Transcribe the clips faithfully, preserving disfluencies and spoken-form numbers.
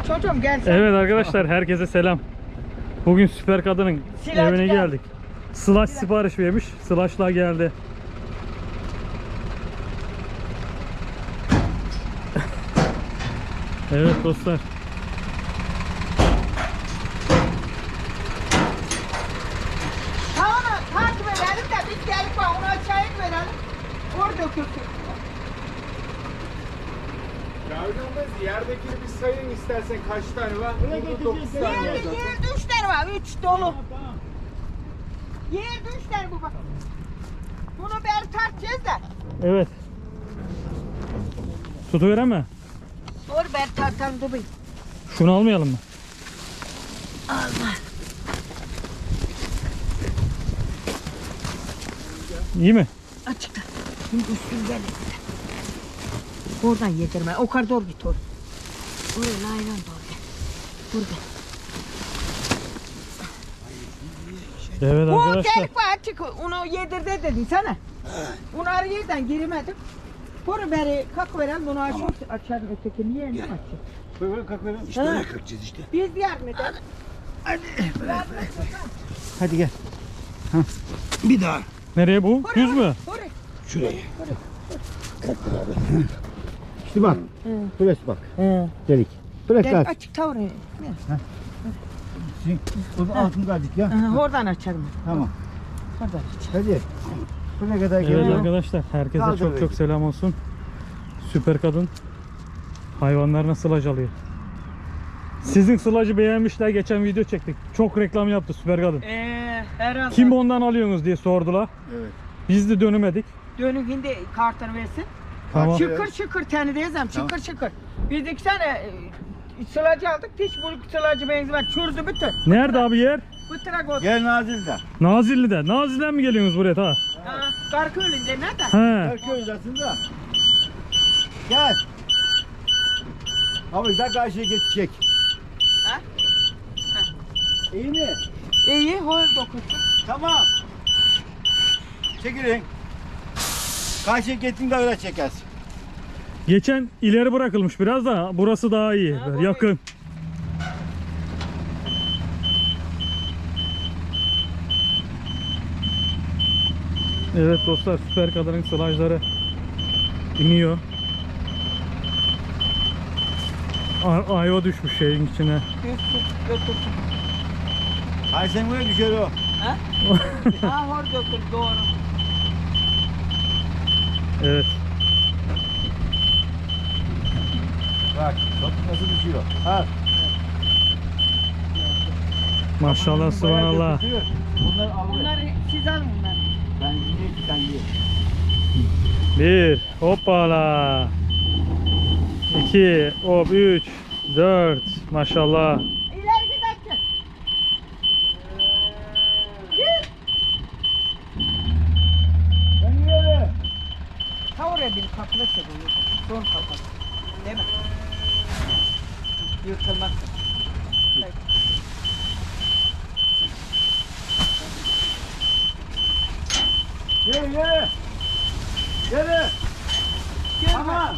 Çocuğum gel sen. Evet arkadaşlar, herkese selam. Bugün Süper Kadın'ın Silajı evine gel. geldik. Slash sipariş vermiş. Slash'lar geldi. Evet dostlar. Tamam takip edelim de biz gelip bak onu aşağıya verelim. Orada dökülsün. Yavrum yerdekini bir sayın istersen kaç tane var? Burada dokuz tane var Yerde, zaten. yerde üç tane var. Üç dolu. Yerde üç tane bu bak. Bunu beri tartacağız da. Evet. Tutuveren mi? Dur beri tartalım dur bir. Şunu almayalım mı? Alma. İyi mi? Açıkla. Şimdi üstünden et. Oradan yedirme. O kadar doğru git oraya. Oraya laylan doğru gel. Burada. Evet Bu arkadaşlar. delik var açık. Onu yedir de dedin sana. Onu arayıdan giremedim. Bunu beri kalk verelim bunu açalım. Açalım ötekini yerini açalım. Böyle kalk verin. İşte öyle kalkacağız işte. Biz yardım edelim. Hadi gel. Bir daha. Nereye bu? Düz mü? Oraya. Şuraya. İşte bak. Burası bak. He. Delik. Bırak Gel aç. açık ta oraya. O da altını kaldık ya. Aha, oradan açalım. Tamam. Oradan aç. Hadi. Buraya kadar Evet geliyor. arkadaşlar, herkese Kaldır çok çok beni. selam olsun. Süper Kadın hayvanlarına sılaj alıyor. Sizin sılacı beğenmişler, geçen video çektik. Çok reklam yaptı Süper Kadın. Eee herhalde. Kim ondan alıyorsunuz diye sordular. Evet. Biz de dönemedik. Dönükünde kartını versin. Tamam. Şıkır şıkır teni diyeceğim şıkır şıkır. Biz iki tane e, sılacı aldık. Hiç bu sılacı benzemez. Çürdü bütün. Nerede abi yer? Bu tırak oldu. Gel Nazil'den. Nazilli'de. Nazilli'den mi geliyorsunuz buraya ta? Karkölü'nde nerede? He. Erköy uzasında. Gel. Abi daha karşıya geçecek. Ha? İyi mi? İyi, hol dokuzsun. Tamam. Çekilin. Karşıya gittiğinde öyle çekersin. Geçen ileri bırakılmış biraz da burası daha iyi. Ha, bu yakın. Evet dostlar, Süper Kadın'ın sılajları iniyor. A- ayva düşmüş şeyin içine. Götürsün, götürsün. Hayır sen buraya düşer o. Ha? Ha, hor götür, doğru. Evet. Bak top nasıl düşüyor. Al. Maşallah, subhanallah. Bunlar alıyor. Bunları siz alın bunları. Ben yine sen ye. Bir, hoppala. İki, hop, üç, dört. Maşallah. İleri bir dakika. Git. Ben yere. Ha oraya bir kapıda çekiyor. Son kapı. Değil mi? Yırtılmazsın. Yere yere. Yere. Tamam.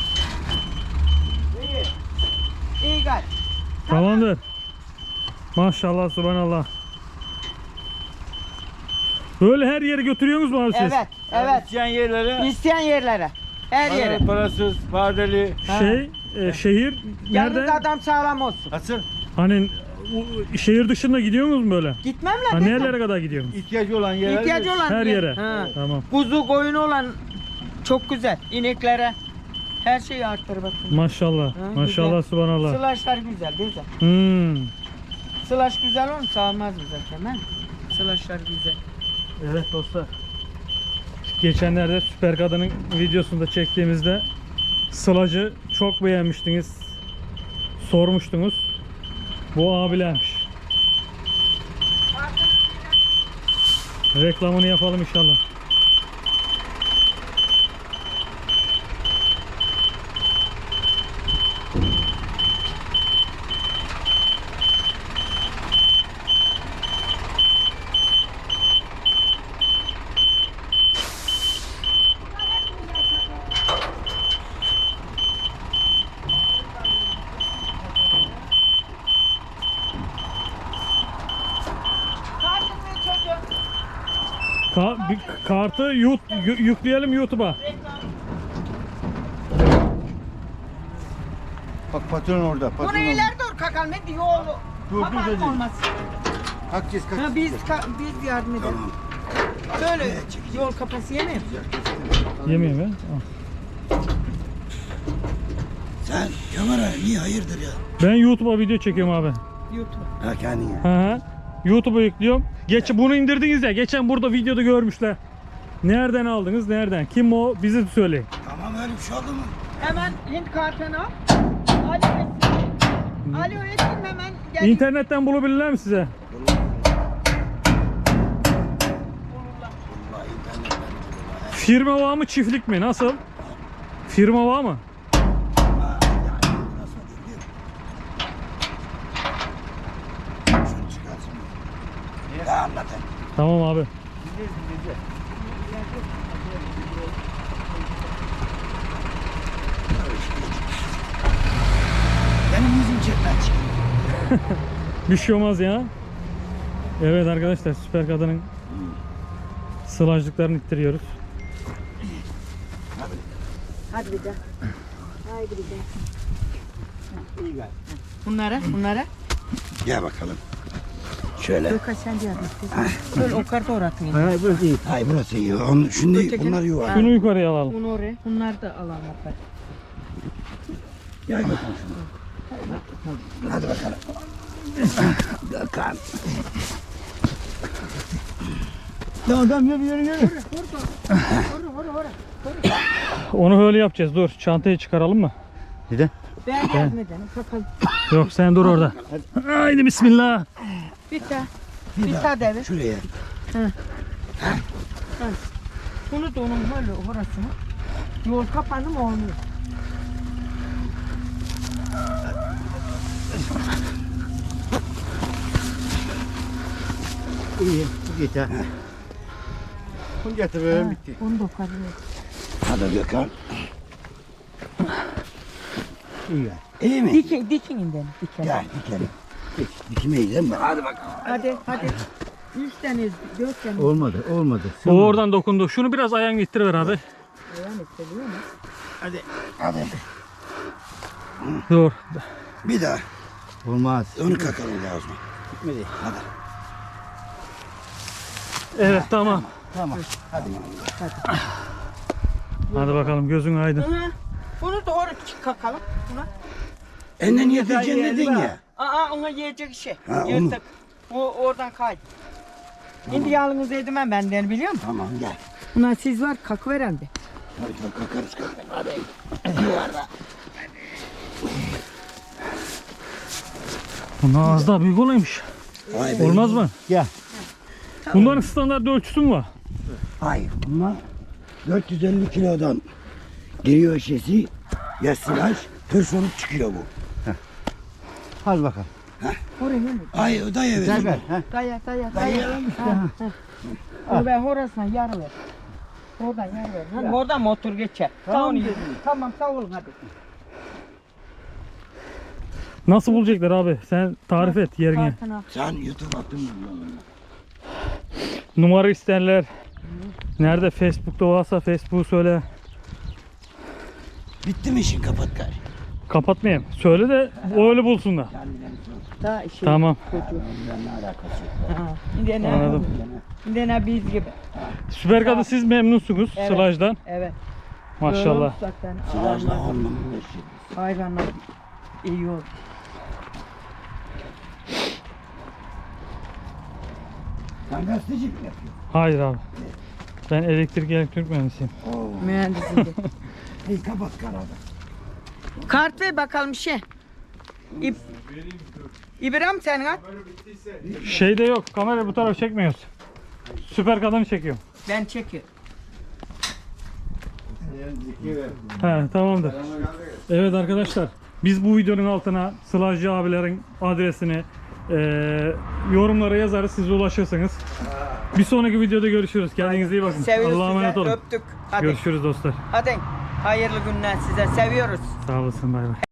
İyi. İyi gel. Tamamdır. Maşallah, subhanallah. Böyle her yere götürüyorsunuz mu abi siz? Evet, evet. İsteyen yerlere. İsteyen yerlere. Her yere. Para- Parasız, vadeli. Şey, e, şehir Yalnız nerede? adam sağlam olsun. Nasıl? Hani o- şehir dışında gidiyorsunuz mu böyle? Gitmem Ha, lan. nerelere kadar gidiyorsunuz? İhtiyacı olan yerlere. İhtiyacı olan Her yer. yere. Ha. Tamam. Kuzu koyunu olan çok güzel. İneklere her şeyi arttır bakın. Maşallah. Ha, Maşallah, güzel. subhanallah. Sılaşlar güzel güzel. Hmm. Sılaş güzel olmuş sağlamaz mı zaten ha? Sılaşlar güzel. Evet dostlar. Geçenlerde Süper Kadın'ın videosunda çektiğimizde sılacı çok beğenmiştiniz. Sormuştunuz. Bu abilermiş. Reklamını yapalım inşallah. Ka bir kartı yut, yü- yükleyelim YouTube'a. Bak patron orada. Patron Bunu orada. ileri doğru kakalım. Hadi yolu. Dur, dur, Kapat dedi. olmaz. Kalkacağız kalk. Ha, biz ka- biz yardım edelim. Tamam. Böyle yol kapası yemeyeyim. Yemeyeyim ya. Al. Sen kamera niye hayırdır ya? Ben YouTube'a video çekiyorum abi. YouTube. Ha kendine. Hı hı. YouTube'a yüklüyorum. Geç bunu indirdiniz ya. Geçen burada videoda görmüşler. Nereden aldınız? Nereden? Kim o? Bizi söyleyin. Tamam öyle bir şey oldu mu? Hemen Hint kartını al. Alo etsin. Alo etsin hemen gel. İnternetten bulabilirler mi size? Vallahi internetten. Firma var mı, çiftlik mi? Nasıl? Firma var mı? Nasıl biliyor musun? Şunu çıkarsın. Ya anlatayım. Tamam abi. Benim yüzüm çekmez çıkıyor. Bir şey olmaz ya. Evet arkadaşlar, Süper Kadın'ın sılajlıklarını ittiriyoruz. Hadi bir de. Haydi bir de. İyi gel. Bunlara, bunlara. Gel bakalım. Şöyle. Gökhan sen de yardım et. Böyle o kartı oratmayın. Hayır burası iyi. Hayır burası iyi. Onun, şimdi Öteki- bunlar yuvar. Şunu yukarıya alalım. Bunu oraya. Bunlar da alalım hadi. Gel bakalım şunu. Hadi bakalım. Bakalım. Tamam tamam yürü yürü yürü. Onu öyle yapacağız. Dur, çantayı çıkaralım mı? Neden? Ben yardım edelim. Bakalım. Yok, sen dur orada. Haydi bismillah. Bir daha. Bir daha devir. Şuraya. Bunu da onun böyle orasını. Yol kapandı mı olmuyor. İyi. Yeter. Bunu getiriyorum bitti. Onu da okuyalım. Hadi Gökhan. İyi gel. İyi mi? Dikin, dikin inden. Dikin. Gel dikelim. Dik, dikmeyi değil mi? Hadi bakalım. Hadi, hadi. Üç tane, dört tane. Olmadı, olmadı. O oradan dokundu. Şunu biraz ayağını ittiriver abi. Yani seviyor mu? Hadi. Hadi. Dur. Bir daha. Olmaz. Onu kakalım lazım. Gitmedi. Hadi. Evet, tamam. Tamam. Hadi. Hadi bakalım, gözün aydın. Hı. Bunu da oraya kakalım. Buna. Enden yedireceksin dedin ya. Aa, ona yiyecek şey. Ha, onu. Yırtık. O oradan kay. Şimdi yalnız edemem benden biliyor musun? Tamam gel. Buna siz var kalk veren de. Hadi kalk, kalkarız kalkarız. Hadi. Yuvarla. Bunlar az daha büyük olaymış. Vay be. Olmaz mı? Gel. Bunların standart ölçüsü mü var? Hayır. Bunlar dört yüz elli kilodan giriyor şişesi. Ya silaj. Tır olup çıkıyor bu. Hadi bakalım. Oraya mı? Ay o da evet. Ver ver. Daya daya daya. Ha, ha. Onu ben orasına yarı ver. Oradan yarı ver. Hani oradan motor geçer. Tamam, tamam sağ olun hadi. Nasıl bulacaklar abi? Sen tarif et yerini. Kartını al. Sen YouTube attın mı? Numara isterler. Nerede? Facebook'ta varsa Facebook'u söyle. Bitti mi işin kapat gari. Kapatmayayım. Söyle de o öyle bulsunlar. Daha işi. Tamam. Ne alakası yok. Ha. Bir de ne? Anladım. Bir de ne biz gibi. Süper Kadın, siz memnunsunuz Evet. sılajdan. Evet. Maşallah. Zaten Silajla olmamı hayvanlar iyi oldu. Sen gazeteci mi yapıyorsun? Hayır abi. Ben elektrik elektrik mühendisiyim. Mühendisim de. Hey kapat karada. Kart ver bakalım şey. İb İbrahim sen at. Şeyde yok. Kamera bu tarafı çekmiyoruz. Süper Kadın'ı çekiyorum. Ben çekiyorum. He, tamamdır. Evet arkadaşlar, biz bu videonun altına Sılajcı abilerin adresini e, yorumlara yazarız, siz ulaşırsınız. Bir sonraki videoda görüşürüz. Kendinize iyi bakın. Seviyoruz Allah'a emanet size. olun. Öptük. Hadi. Görüşürüz dostlar. Hadi. Hayırlı günler size. Seviyoruz. Sağ olasın. Bay bay.